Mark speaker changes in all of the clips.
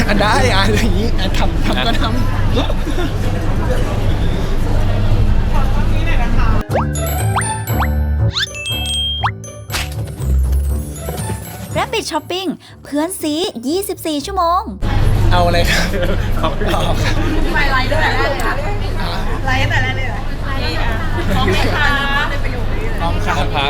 Speaker 1: ได้อะไรอย่างนี้ทำก็ทำ
Speaker 2: Rapid Shopping เพื่อนซี24 ชั่วโมง
Speaker 1: เอาอะไรครับ
Speaker 3: ไปไลฟ์ตั้งแต่แรกเลยค่ะไลฟ์ตั้งแต่แรกเลยเหรอไลฟ์อ่ะพร้อมไหมคะในประโยคนี้เลย
Speaker 1: พร้อมครับ
Speaker 4: ครับ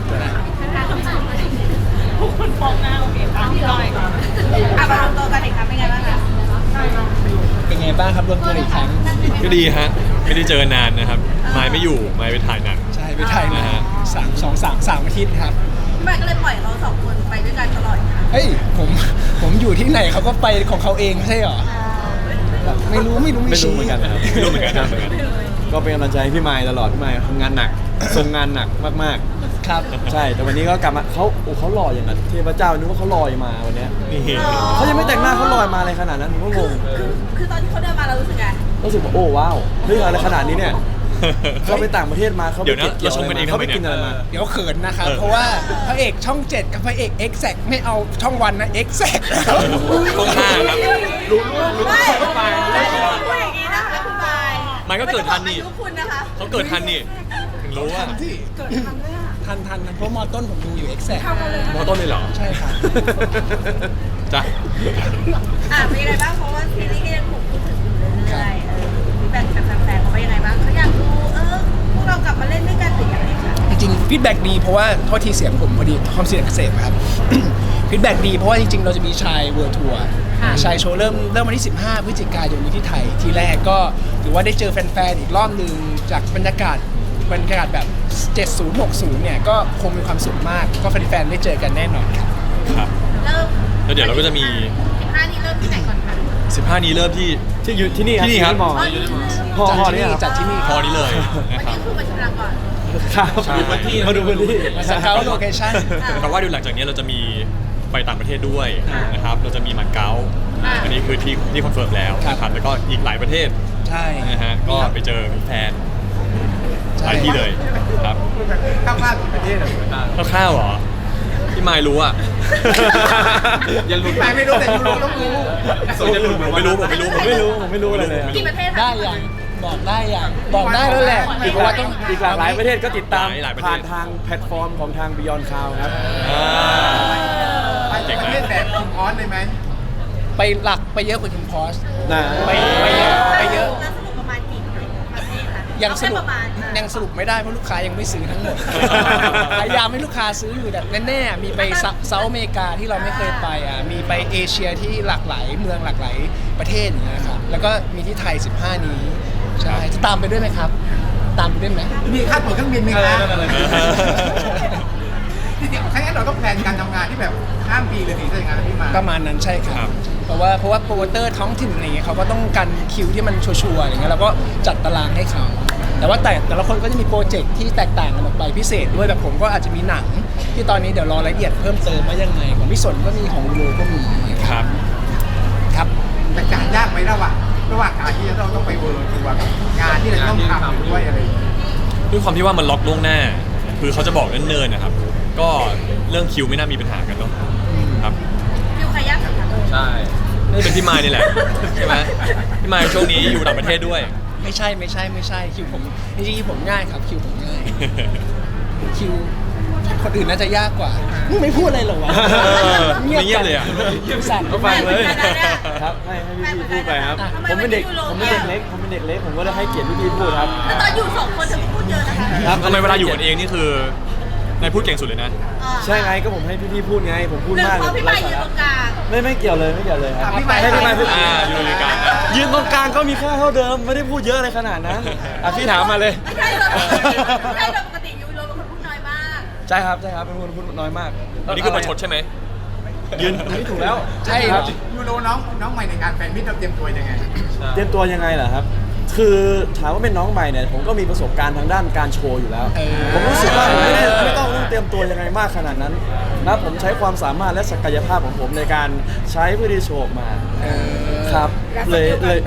Speaker 3: คุณฟองหน้าโอเคค่ะพี่ลอยอ่ะมารวมตัวกันอีกครั้งเป็นไงบ้างคะ
Speaker 1: เป็นไงบ้างครับรวมตัวอีกครั้ง
Speaker 4: ก็ดีฮะไม่ได้เจอกันนานนะครับไมค์ไม่อยู่ไมค์ไปถ่ายหนัง
Speaker 1: ใช่ไปถ่ายมา
Speaker 4: นะฮะ
Speaker 1: 3 อาทิตย์ครับ
Speaker 3: พี่ใหม่ก็เลยปล่อยเขาสองคนไปด้วยกันตลอดค่ะ
Speaker 1: เฮ้ยผมอยู่ที่ไหนเขาก็ไปของเขาเองไม่ใช่เหรอแบบไม่รู้
Speaker 5: ไม่รู้เหมือนกันนะครับ
Speaker 4: ไม่รู้เหมือนกันครับเหมือนกัน
Speaker 5: ก็เป็นกำลังใจให้พี่ไมค์ตลอดพี่ไมค์ทำงานหนักทรงงานหนักมาก
Speaker 1: ครับ
Speaker 5: ๆ ใช่แต่วันนี้ก็กลับมาเขาหล่ออย่างนั้นเทพเจ้านึกว่าเขาลอยมาวันเนี้ย
Speaker 4: นี่
Speaker 5: เขายังไม่แต่งหน้าเขาลอยมาอะไรขนาดนั้นผมก็งง
Speaker 3: คือตอนที่เขาเดินมาเรารู้สึกไง
Speaker 5: รู้สึกว่าโอ้ว้าวเฮ้ยอะไรขนาดนี้เนี่ยเขาไปต่างประเทศมาเขาไป
Speaker 4: เดี๋ยวนะ
Speaker 5: เก็บ
Speaker 4: เราชมกันเอง
Speaker 5: เขาไป
Speaker 4: ทำไมเนี่ย
Speaker 5: กินอะไรมา
Speaker 1: เดี๋ยวเขินนะครับ เพราะว่าพระเอกช่อง 7 กับพระเอก Exact ไม่เอาช่องวันนะ Exact แล้ว
Speaker 4: ช่องห้าครับ
Speaker 3: ไม่พูดอย่างนี้นะคะคุณบาย
Speaker 4: มันก็เกิดทันนี่
Speaker 3: อายุคุณนะคะ
Speaker 4: เขาเกิดทันนี่ถึงรู้ว่า
Speaker 1: ทันที่ทันเพราะมอต้นผมดูอยู่ Exact
Speaker 4: มอต้นเลยเหรอ
Speaker 1: ใช่ครับ
Speaker 4: จ้ะ
Speaker 3: เป็นยังไงบ้างเพราะว่าซีรีส์ก็ยังถูกพูดถึงอยู่เรื่อยๆฟีดแบ็กจากแฟนๆเขาว่ายังไงบ้างเขาอยากดูพวกเรากลับมาเล่นด้วยกันหรือยังไงคะ
Speaker 1: จริงๆฟีดแบ็กดีเพราะว่าโทษทีเสียงผมพอดีความเสียงอักเสบครับ ฟีดแบ็กดีเพราะว่าจริงๆเราจะมีชายเวิร์ทัวร์ชายโชว์เริ่มวันที่ 15 พฤศจิกายนนี้ที่ไทยทีแรกก็ถือว่าได้เจอแฟนๆอีกรอบหนึ่งจากบรรยากาศแบบ 70 60 เนี่ยก็คงมีความสุขมากก็แฟนๆได้เจอกันแน่นอนครับ
Speaker 4: ครับ
Speaker 3: เริ่ม
Speaker 4: แล้วเดี๋ยวเราก็จะมี
Speaker 3: 15นี้เริ่มที่ไหนก่อนคะ
Speaker 4: 15 นี้เริ่มที่
Speaker 5: ที่อยู่ที่นี่
Speaker 4: ที่นี่ครับ
Speaker 5: มอพอเนี่ยครับ
Speaker 1: จัดที่นี่
Speaker 4: พอนี้เลย
Speaker 3: วัน
Speaker 4: นะครับ
Speaker 3: นี้คือมาชมรังก่อน
Speaker 5: ครับ
Speaker 4: ใช่
Speaker 5: มาดูพื้นที่
Speaker 1: มาสเกาโลเคชั่น
Speaker 4: แต่ว่าเดี๋ยวหลังจากนี้เราจะมีไปต่างประเทศด้วยนะครับ เราจะมีมาเก๊าอันนี้คือที่คอนเฟิร์มแล้วนะครับแล้วก็อีกหลายประเทศ
Speaker 1: ใช่
Speaker 4: นะฮะก็ไปเจอแฟนหลายที่เลยครับ
Speaker 5: ข้าวๆประเทศอะไรต่าง
Speaker 4: ข้าวๆเหรอพี่ไมค์รู้อ่ะ
Speaker 5: ยังหลุดไปไม่รู้แต่รู้ต้องรู้
Speaker 4: ผมไม่รู้ผมไม่รู้อะไรเลย
Speaker 3: กี่ประเทศคะ
Speaker 1: ได้อย่างบอกได้แล้วแหละ
Speaker 5: อีก
Speaker 1: เพราะว่าต้อง
Speaker 5: หลายประเทศก็ติดตาม
Speaker 4: หลายประเทศ
Speaker 5: ผ่านทางแพลตฟอร์มของทาง Beyond Cloud ครับ
Speaker 4: เก่ง
Speaker 6: ประเทศ
Speaker 4: นะ
Speaker 6: แบบคิมออสเลยไหม
Speaker 1: ไปหลักไปเยอะกว่าคิมพอส
Speaker 5: นะ
Speaker 1: ไปเยอะไปเยอะ
Speaker 3: แล้วสรุปประมาณกี่ประเทศคะ
Speaker 1: ยังสรุป
Speaker 3: เอาแค่ประมาณ
Speaker 1: ยังสรุปไม่ได้เพราะลูกค้ายังไม่ซื้อทั้งหมด พยายามให้ลูกค้าซื้ออยู่แต่แน่ๆมีไปเซาท์อเมริกาที่เราไม่เคยไปมีไปเอเชียที่หลากหลายเมืองหลากหลายประเทศอย่างเงี้ยครับแล้วก็มีที่ไทย 15 นี้ใช่จะตามไปด้วยไหมครับ ตามไปด้วยไหม
Speaker 6: มีค่าตั๋วเครื่องบินไหมครับที่จริงถ้างั้นเราต้องแพลนการทำงานที่แบบข้ามปีเลยสิถ้าอย่างนั้นนะพี่มา
Speaker 1: ประมาณนั้นใช่ค
Speaker 4: ครั
Speaker 1: รับบ เพราะว่าโปรโมเตอร์ท้องถิ่นอะไรเงี้ยเขาก็ต้องการคิวที่มันชัวร์ๆอย่างเงี้ยเราก็จัดตารางให้เขาแต่ว่าแต่ละคนก็จะมีโปรเจกต์ที่แตกต่างกันออกไปพิเศษด้วยแบบผมก็อาจจะมีหนังที่ตอนนี้เดี๋ยวรอรายละเอียดเพิ่มเติมว่ายังไงของพี่สนก็มีของโลก็มี
Speaker 4: ครับ
Speaker 1: ครับ
Speaker 6: แต่การยากไหมระหว่างการที่เราต้องไปเวิร์ทัวร์กับงานที่เราต้องทำด้วยอะไรอย่างเงี้ย
Speaker 4: ด้วยความที่ว่ามันล็อกล่วงหน้า คือเขาจะบอกเนิ่นๆนะครับ ก็เรื่องคิวไม่น่ามีปัญหากันเนาะครับ
Speaker 3: ฟิวใครยากสุดคะ
Speaker 4: ใช่น่าจะเป็นพี่ไมค์นี่แหละใช่ไหมพี่ไมค์ช่วงนี้อยู่ต่างประเทศด้วย
Speaker 1: ไม่ใช่คิวผมจริงๆผมง่ายครับคิวผมง่ายคิวคนอื่นน่าจะยากกว่าไม่พูดอะไรหรอวะ
Speaker 4: เงียบเลยอะ
Speaker 1: สั่น
Speaker 5: ก็ฟังเลย
Speaker 3: ได้
Speaker 5: ครับให้พี่พูดไปครับ
Speaker 3: ทำไม
Speaker 5: ผมเป็นเด็ก
Speaker 3: วันนี้ยูโร
Speaker 5: ผมเป็นเด็กเล็กผมก็ได้ให้เกียรติพี่พูดครับ
Speaker 3: แล้วตอนอยู่สองคนเธอพูดเยอะนะคะ
Speaker 5: ครับ
Speaker 4: ทำไมเวลาอยู่กันเองนี่คือนายพูดเก่งสุดเลยนะ
Speaker 5: ใช่ไงก็ผมให้พี่พูดไงผมพูด
Speaker 3: หรือ
Speaker 5: มาก
Speaker 3: เพราะพี่ใหม่ยืนตรงกลาง
Speaker 5: ไม่เกี่ยวเลยครับ
Speaker 6: พี่ไมค์
Speaker 5: ให้พี่ไมค์พูด
Speaker 4: อยู่ในกลาง
Speaker 5: ยืนตรงกลางก็มีค่าเท่าเดิมไม่ได้พูดเยอะอะไรขนาดนั้นพี่ถามมาเลย
Speaker 3: ไม่ใช่เลยไม่ใช่เลยปกติยูโรเป็นคนพูดน้อยมาก
Speaker 5: ใช่ครับเป็นคนพูดน้อยมาก
Speaker 4: อันนี้คือประชดใช่ไหม
Speaker 5: ยืนนี่ถูกแล้ว
Speaker 1: ใช่
Speaker 5: ค
Speaker 1: ค
Speaker 5: รั
Speaker 1: รั
Speaker 5: บบ
Speaker 6: ยูโรน้องใหม่ในการแฟนมิตรเราเตรียมตัวยังไง
Speaker 5: เตรียมตัวยังไงเหรอครับ คือถามว่าเป็นน้องใหม่เนี่ยผมก็มีประสบการณ์ทางด้านการโชว์อยู่แล้ว ผมรู้สึกว่าไม่ต้องเตรียมตัวยังไงมากขนาดนั้นนะผมใช้ความสามารถและศักยภาพของผมในการใช้เพื่อที่โชว์ออกมาครับเลย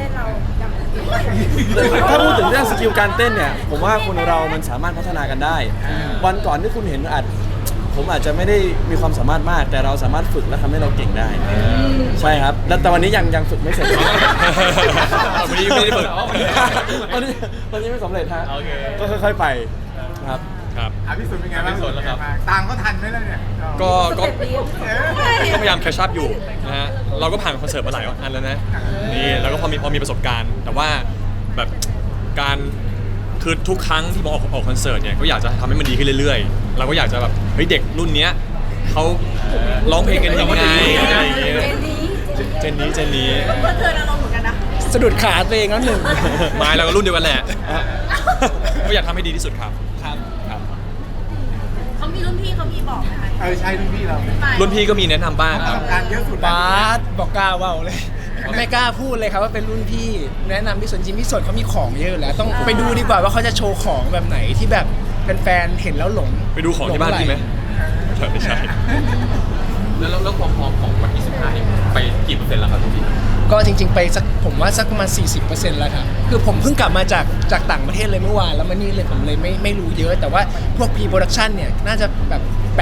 Speaker 5: ถ้าพูดถึงเรื่องสกิลการเต้นเนี่ยผมว่าคนเรามันสามารถพัฒนากันได้ วันก่อนที่คุณเห็นอาจผมอาจจะไม่ได้มีความสามารถมาก แต่เราสามารถฝึกและทำให้เราเก่งได้ใช่ครับแต่วันนี้ยังฝึกไม่เสร็จ
Speaker 4: วันนี้ไม่ได้ฝึก
Speaker 5: วันนี้ไม่สำเร็จฮะ
Speaker 4: โอเค
Speaker 5: ก็ค่อยๆไปครับ
Speaker 4: ครับ
Speaker 6: พี่สุดเป็นไงบ้าง
Speaker 4: พี่สุดแล้วครับ
Speaker 6: ตามเขาทันไหมล่ะเนี่ย
Speaker 4: ก็
Speaker 3: 7 ปี
Speaker 4: พยายามแคชชัพอยู่นะฮะเราก็ผ่านคอนเสิร์ตมาหลายอันแล้วนะนี่แล้วก็พอมีประสบการณ์ แต่ว่าแบบการคือทุกครั้งที่ผมออกคอนเสิร์ตเนี่ยก็อยากจะทำให้มันดีขึ้นเรื่อยๆ เราก็อยากจะแบบเฮ้ยเด็กรุ่นเนี้ยเขาร้องเพลงกันยังไงอะไรอย่างเงี้ยเจนนี้
Speaker 3: เพื่อนเธออารมณ์เหมือนกันนะ
Speaker 1: สะดุดขาตัวเองแล้วหนึ่ง
Speaker 4: ไม่เราก็รุ่นเดียวกันแหละก็อยากทำให้ดีที่สุดครับ
Speaker 1: ครับ
Speaker 4: ครับ
Speaker 3: เขามีรุ่นพี่เขามีบอกไหมคะ
Speaker 6: ใช่รุ่นพี่เรา
Speaker 4: รุ่นพี่ก็มีแนะนำบ้าง
Speaker 6: ป
Speaker 4: ค
Speaker 6: ระ
Speaker 4: รั
Speaker 6: ส
Speaker 4: บ
Speaker 6: บการณ์เยอะสุด
Speaker 1: บาสบอกกล้าเว่าเลยไม่กล้าพูดเลยครับว่าเป็นรุ่นพี่แนะนำพี่สนจริงพี่สนเขามีของเยอะอยู่แล้ว ต้องไปดูดีกว่าว่าเขาจะโชว์ของแบบไหนที่แบบแฟนๆเห็นแล้วหลง
Speaker 4: ไปดูของที่บ้านพี่ไหมไม่ใช่
Speaker 7: แล้วความพร้อมของวันที่ 15 นี่ไปกี่เปอร์เซ็นต์แล้วครับทุกที
Speaker 1: ก็จริงๆไปสักผมว่าสักประมาณ 40% แล้วครับคือผมเพิ่งกลับมาจากต่างประเทศเลยเมื่อวานแล้วมานี่เลยผมเลยไม่รู้เยอะ แต่ว่าพวก pre-production เนี่ยน่าจะแบบ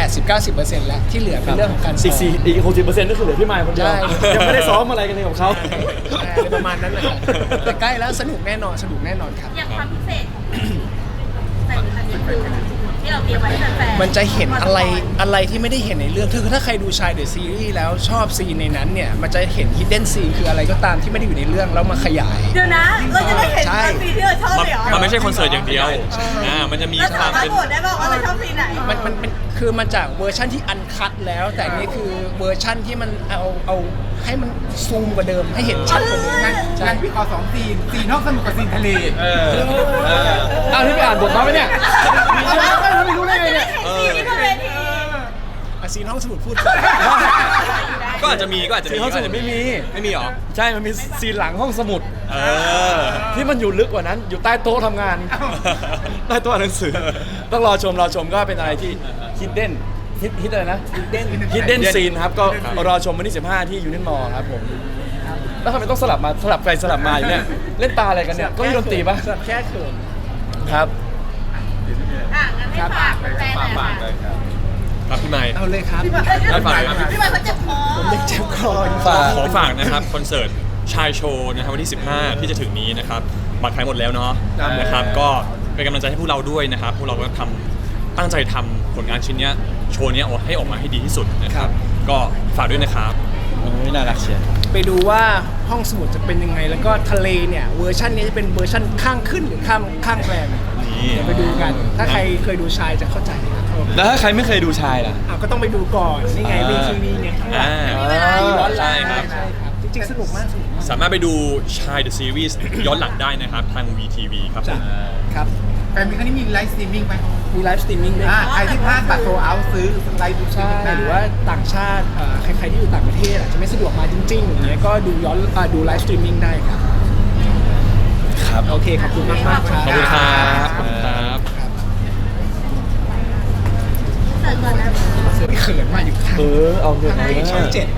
Speaker 1: 80-90% แล้วที่เหลือเป็นเรื่องของการซ้
Speaker 5: อี
Speaker 1: อม
Speaker 5: ก60%ก็คือเหลือพี่มายคนเดียว
Speaker 1: ใช่
Speaker 5: ยังไม่ได้ซ้อมอะไรกันเลยกับเขา
Speaker 1: อะไรประมาณนั้นแหละครับแต่ใกล้แล้วสนุกแน่นอนครับ
Speaker 3: อย่างความพิเศษแต่อันนี้คือที่เราเตรียมไว้ให้แฟนๆ
Speaker 1: มันจะเห็นอะไรที่ไม่ได้เห็นในเรื่องคือถ้าใครดูชายเดอะซีรีส์แล้วชอบซีนในนั้นเนี่ยมันจะเห็น hidden scene คืออะไรก็ตามที่ไม่ได้อยู่ในเรื่องแล้วมาขยาย
Speaker 3: เดี๋ยวนะเราจะได้เห็น
Speaker 1: ใช่
Speaker 3: ซีนที่เราชอบเลยเหรอ
Speaker 4: มันไม่ใช่คอนเสิร์ตอย่างเดียวมันจะมี
Speaker 3: เรา
Speaker 4: ค
Speaker 3: สาว
Speaker 4: าม
Speaker 3: มารถ
Speaker 4: เป็น
Speaker 3: โหวตได้บอกว่าเราชอบซีนไหน
Speaker 1: มันคือมาจากเวอร์ชั่นที่อันคัดแล้ว แต่นี่คือเวอร์ชั่นที่มันเอาให้มันซูมกว่าเดิมให้เห็นชัดกว่าเดิม
Speaker 6: งั้นพี่ขอ2 ซีนนอกสนุกกับซีนทะเล
Speaker 5: อ้าวนี่ไปอ่านบทมาไหมเนี่ยไม่รู้ได้ไงเนี่ย
Speaker 3: ซีนที่บนเวที
Speaker 1: อ่ะซีนห้องสมุดพูดก่อน
Speaker 4: ก็อาจจะมี
Speaker 5: ซีนห้องสมุดไม่มี
Speaker 4: ไม่มีหรอ
Speaker 5: ใช่มันมีซีนหลังห้องสมุด ที่มันอยู่ลึกกว่านั้น อยู่ใต้โต๊ะทำงาน ใต้โต๊ะอ่านหนังสือ ต้องรอชมก็เป็นอะไรที่ฮิดอะไรนะhidden scene ครับ ก็รอชมวันที่ 15 ที่ยูนินมอลครับผม แล้วทำไมต้องสลับไปสลับมาอยู่เนี่ย เล่นตาอะไรกันเนี่ย ก็มีดนตรีปะ
Speaker 1: สำหรับแค่เขิน
Speaker 5: ครับ
Speaker 3: งั้นให้ฝากแฟนๆหน่อยค่ะ
Speaker 4: ครับพี่ใหม่
Speaker 1: เอาเลยครับ
Speaker 3: พี่บอยเขาเจ็บคอ
Speaker 1: ผมยังเจ็บคออยู่
Speaker 4: ขอฝากนะครับคอนเสิร์ตชายโชว์นะครับวันที่ 15 ที่จะถึงนี้นะครับบัตรขายหมดแล้วเนาะนะครับก็เป็นกำลังใจให้พวกเราด้วยนะครับพวกเราก็ตั้งใจทำผลงานชิ้นเนี้ยโชว์เนี้ยให้ออกมาให้ดีที่สุดนะครับก็ฝากด้วยนะครับ
Speaker 5: น่ารักเชียว
Speaker 1: ไปดูว่าห้องสมุดจะเป็นยังไง แล้วก็ทะเลเนี่ยเวอร์ชันนี้จะเป็นเวอร์ชันข้างขึ้นหรือข้างแรม
Speaker 4: นี่
Speaker 1: เดี๋ยวไปดูกัน ถ้าใครเคยดูชายจะเข้าใจครับ
Speaker 5: แล้วถ้าใครไม่เคยดูชายล่ะ
Speaker 1: ก็ต้องไปดูก่อนนี่ไงวีทีวีไงข้างหลัง ย้อนหลัง
Speaker 4: ใช่ครับ
Speaker 1: ใช่ครับจริงๆสนุกมาก
Speaker 4: สามารถไปดูชาย The Series ย้อนหลังได้นะครับทาง VTV ครับผม
Speaker 1: ครับ
Speaker 6: แฟนมีครั้งนี้มีไลฟ์สตรีมมิ่งไหม
Speaker 1: มีไลฟ์สตรีมมิ่งด้วย
Speaker 6: ใครที่พลาดบัตรโซเอาซื้อไลฟ์ดู
Speaker 1: ใช่หรือว่าต่างชาติใครๆที่อยู่ต่างประเทศอาจจะไม่สะดวกมาจริงๆอย่างเงี้ยก็ดูย้อนดูไลฟ์สตรีมมิ่งได้ครับ
Speaker 5: ครับ
Speaker 1: โอเคขอบคุณมากๆครับ
Speaker 4: ขอบคุณครับขอบคุณครับ
Speaker 3: เสิร์ฟก่อนนะ
Speaker 1: เขินมาอยู่ข้าง
Speaker 5: เอาเถอะ
Speaker 1: ช่องเจ็ด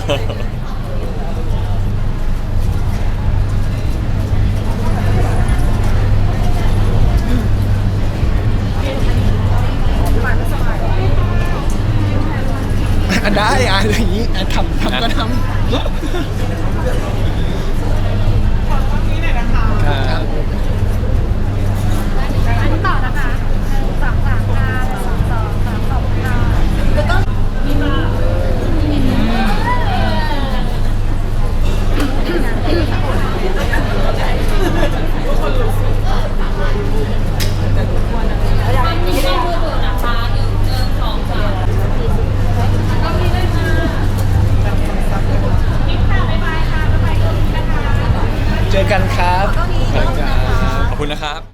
Speaker 1: ได้อะไรอย่างนี้ทำก็ทำ
Speaker 5: ครับ
Speaker 3: ต่อนะคะ3 ค่ะ2 2 3 ค่ะแล้วก็มีมา
Speaker 1: เจอกันครับ
Speaker 4: ขอบคุณนะครับ